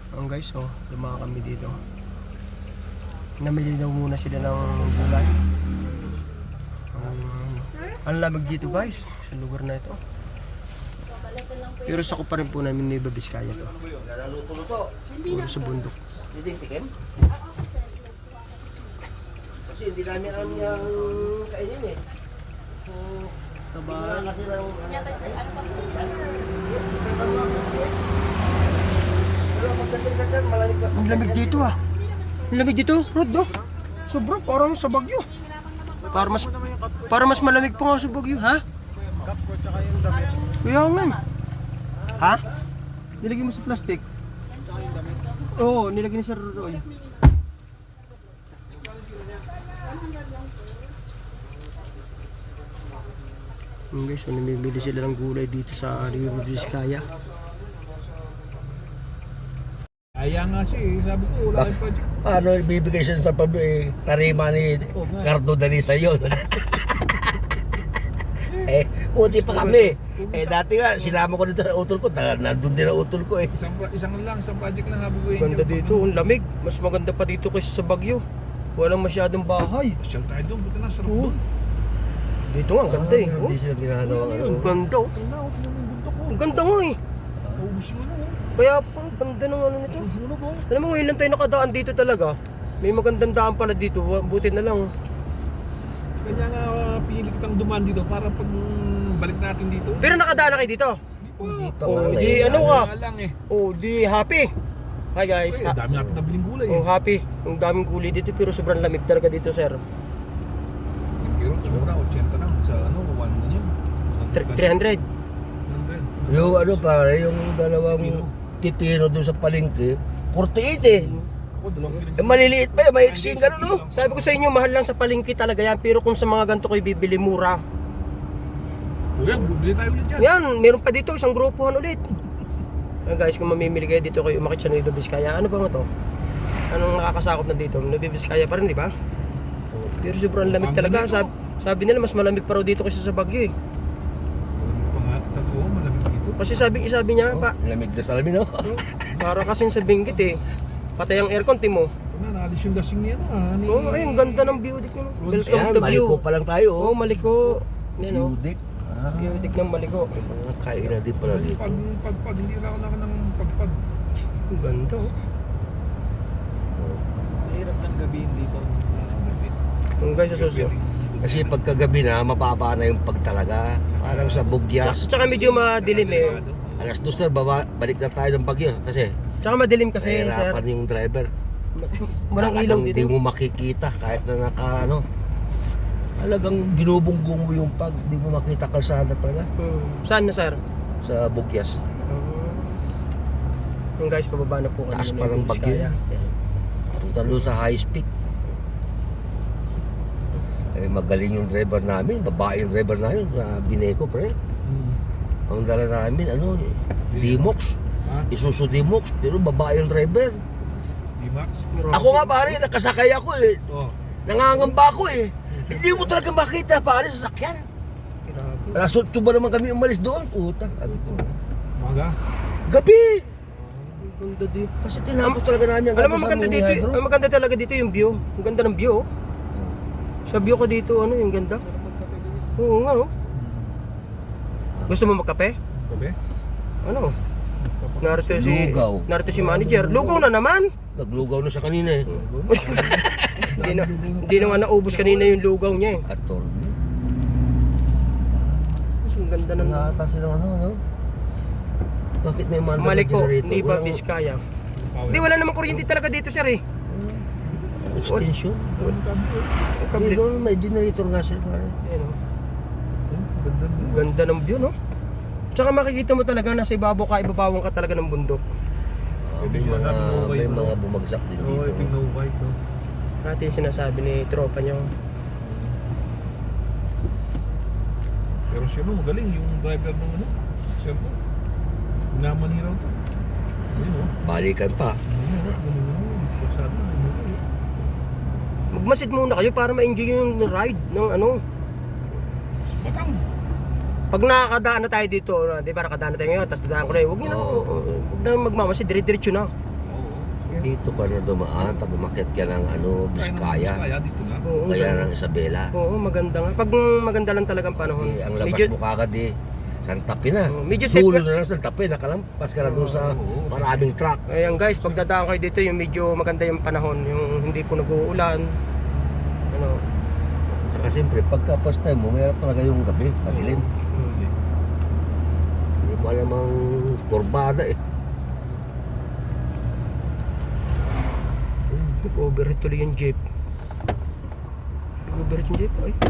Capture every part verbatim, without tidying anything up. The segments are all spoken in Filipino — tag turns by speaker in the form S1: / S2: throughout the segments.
S1: Ang guys, oh, lumakas kami dito. Namili daw muna sila ng gulay. Um, ang lamig dito guys, sa lugar na ito. Pero sa ko pa rin po namin Nueva Vizcaya to. Puro sa bundok.
S2: Hindi tikim? Kasi hindi namin alam yung kainin eh. So,
S1: Sabay.
S2: kasi lang... Pero pagdating sa dyan, malamig pa sa
S1: Ang lamig dito ah. Ang lamig dito, Rod, oh. Sobra, parang sa Bagyo. Para mas para mas malamig pa nga sa Bagyo, ha?
S3: Kapko tsaka yung damit.
S1: Kaya nga. Ha? Nilagay mo sa plastic? Oo, nilagay ni Sir Roy. Yung guys, so namimili sila ng gulay dito sa Nueva Vizcaya.
S3: Kaya nga siya eh. Sabi ko, wala kayong project.
S2: Paano ibibigay siya sa Pablo eh? Tarima ni Cardo Danisa yun. Eh, puti pa kami. Eh, dati nga, sinama ko dito sa utol ko. Ta- Nandun din ang utol ko eh.
S3: Isang, pro- isang lang, isang project lang sabi ko eh.
S1: Ganda dito, ang lamig. Mas maganda pa dito kaysa sa Bagyo. Walang masyadong bahay.
S3: Pasyal tayo doon, buti na, sarap
S1: Oo.
S3: doon.
S1: Dito nga, ang ganda eh. Oh,
S2: Hindi siya ginagawa.
S1: ang ganda oh.
S3: Tingnan ako, tingnan mo yung bundok ko.
S1: Ang ganda nga eh.
S3: Naubos yung ano oh.
S1: Kaya po, ang ganda ng ano nito.
S3: Naubos yung ano ba?
S1: Alam mo, ngayon lang tayo nakadaan dito talaga. May magandang daan pala dito. Buti na lang.
S3: Kanya nga uh, pinili kitang dumaan dito para pag mm, balik natin dito.
S1: Pero nakadaan na kayo dito.
S3: Hindi pa.
S2: Pa nga
S1: Oh,
S2: eh.
S1: di ano ka?
S3: Kaya lang eh.
S1: Oh, di happy. Hi guys.
S3: Eh,
S1: Ha-
S3: dami natin nabiling gulay
S1: oh,
S3: eh.
S1: happy. Ang daming gulay dito pero sobrang lamig talaga dito, sir.
S3: Yung kirot, mura, eighty lang sa ano, one na yun.
S1: three hundred.
S2: Yung ano pare, yung dalawang pipino doon sa palengke, forty-eight eh.
S3: Ako, dalawang kilig.
S2: Eh, maliliit pa eh, may iksing gano'n no?
S1: Sabi ko sa inyo, mahal lang sa palengke talaga yan. Pero kung sa mga ganito kayo bibili, mura.
S3: Kuya, bubili tayo ulit yan.
S1: Yan, meron pa dito, isang grupuhan ulit. Ayan guys, kung mamimili kayo dito kayo umakit sa Nueva Vizcaya, ano ba nga to? Anong nakakasakop na dito? Nueva Vizcaya pa rin, di ba? Pero sobrang lamig talaga. Sabi, sabi nila, mas malamig pa raw dito kaysa sa Bagyo eh.
S3: Totoo, malamig dito.
S1: Kasi sabi, sabi niya, pa,
S2: Lamig na salamin no?
S1: para kasing sa Benguet eh. Patay ang aircon, timo.
S3: Ito na, naalis yung lasing niya na. Ni...
S1: Oh, ay, ang ganda ng view dito. Welcome
S2: Ayan,
S1: to view.
S2: maliko pa lang tayo
S1: Oh,
S2: oh.
S1: Maliko. Yan oh.
S2: Yudik. Ah,
S1: View dik ng Maliko.
S2: may mga kainan din pala dito.
S3: Pag, pag, pag, hindi lang ako naka ng pagpag.
S1: Ang ganda oh.
S3: Mahirap ng gabihin dito. Gabi.
S1: Ang guys, sa suso.
S2: Kasi pagkagabi na, mababa na yung pagtalaga. Parang sa
S1: Tsaka,
S2: Bugyas.
S1: tsaka medyo madilim eh.
S2: Alas dos na, baba, balik na tayo ng Bagyo. Kasi,
S1: Tsaka madilim kasi, sir.
S2: nahirapan yung driver.
S1: Walang ilaw
S2: Talagang Hindi
S1: dito.
S2: mo makikita kahit na naka ano. Talagang binubunggo mo yung pag, hindi mo makita kalsada talaga
S1: Hmm. Saan na, sir?
S2: sa Bugyas.
S1: Yung guys, pababa na po kami.
S2: Taas
S1: ng
S2: pa ng
S1: Nueva
S2: Bagyo.
S1: Vizcaya.
S2: Punta doon sa high speed. Eh, magaling yung driver namin, babae yung driver namin, na Bineco pre.
S3: Hmm.
S2: Ang dala namin, ano, D-Mox.
S3: Ha?
S2: Isuzu D-Mox, pero babae yung driver.
S3: D-Max?
S2: Ako nga pare, nakasakay ako eh.
S3: Oo.
S2: Nangangamba ako eh. Hindi mo talaga makita pare sa sakyan.
S1: Grabe.
S2: Alas otso ba naman kami umalis doon? Puta, sabi ko.
S3: Maga?
S2: Gabi!
S1: Ang ganda dito.
S2: Kasi tinapos talaga namin ang
S1: Alam mo,
S2: gabi sa
S1: maganda
S2: mini
S1: dito.
S2: hydro.
S1: Ang maganda talaga dito yung view. Ang ganda ng view. oh. Sa view ko dito, ano yung ganda? Oo nga, oh. Gusto mo magkape?
S3: Gabi?
S1: Ano? Narito si
S2: Lugaw.
S1: Narito si manager. Lugaw na naman.
S2: Naglugaw na siya kanina eh.
S1: Hindi na hindi na nga naubos kanina yung lugaw niya eh.
S2: Atol.
S1: Mas ang ganda ng
S2: Nangata silang ano, ano? Bakit may manda
S1: Maliko,
S2: generator?
S1: hindi ba
S2: Walang
S1: Vizcaya?
S3: Power.
S1: Hindi, wala namang kuryente talaga dito, sir eh.
S2: extension?
S3: Ang gabi eh.
S1: Ang
S2: Hindi
S1: kablit.
S2: doon, may generator nga sila pare.
S1: Ayan, oh.
S3: Ganda
S1: Ang
S3: na.
S1: Ganda ng view, no? Tsaka makikita mo talaga nasa ibabaw ka, ibabawang ka talaga ng bundok.
S2: Ah, may mga, may mga bumagsak din
S3: Oo, ito yung
S2: dito.
S3: no white no.
S1: Natin sinasabi ni tropa niyo.
S3: Pero siya no, magaling yung driver ng ano. Siya po. Namaniraw to. Ayun o.
S2: Balikan pa.
S3: Pasado na yun.
S1: Magmasid muna kayo para ma-enjoy yung ride ng ano.
S3: Batang.
S1: Pag nakakadaan na tayo dito, di ba nakadaan na tayo ngayon, tapos dadaan ko na yun, huwag niyo na,
S2: Oo.
S1: huwag na magmamasid, dire-diretso na.
S3: Oo.
S2: Dito ka na dumaan pag umakyat ka ng ano, Biskaya.
S3: Biskaya dito na.
S1: Oo,
S2: Kaya
S1: ganda.
S2: ng Isabela.
S1: Oo, maganda nga. Pag maganda lang talagang panahon.
S2: Eh, ang labas
S1: medyo,
S2: mo kagad eh. Santa Fe na.
S1: Oo, medyo safe
S2: Dulo
S1: ka-
S2: na lang Santa Fe. Nakalampas ka na doon sa
S3: Oo,
S2: maraming truck.
S1: Ayan guys, pag dadaan kayo dito, yung medyo maganda yung panahon, yung hindi po nag-uulan. Ano?
S2: Saka siyempre, pagka first time mo, mayroon talaga yung gabi, padilim.
S1: Hmm.
S2: Hindi mo alam ang kurbada eh.
S1: Nag-overheat tuloy yung jeep. Nag-overheat yung jeep, ay.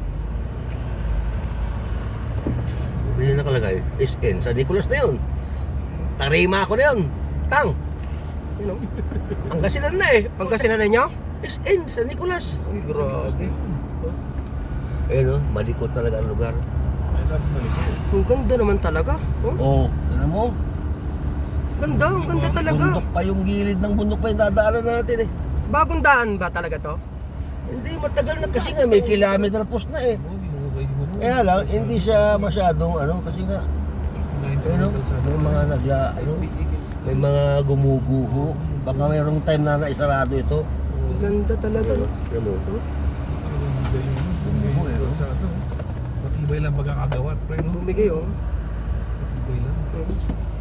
S2: Hindi nakalagay, S N sa Nicolas na yun. Tarima ako na yun. Tang,
S1: Yun o.
S2: ang kasinan na eh.
S1: Pagkasinan nyo?
S2: S N sa Nicolas.
S1: Uy, grabe.
S2: Eh no, malikot talaga ang lugar.
S3: Ay, lagi malikot.
S1: Ang ganda naman talaga. Oh,
S2: Oo, oh, ano mo?
S1: ganda, ang ganda talaga.
S2: Bundok pa yung gilid ng bundok pa yung dadaanan natin eh.
S1: Bagong daan ba talaga to?
S2: Hindi matagal na kasi nga may kilometer post na eh.
S3: Oo, di mo kayo mo.
S2: Kaya lang, hindi siya masyadong ano kasi nga ano, may mga nagla, ano, may mga gumuguho. Baka mayroong time na naisarado ito.
S1: Ang ganda talaga.
S2: Ano,
S1: No?
S2: ano,
S3: Bumubo eh. Matibay lang pagkakagawa. Pre, no?
S1: Bumigay oh.
S3: Matibay lang.
S1: Hmm.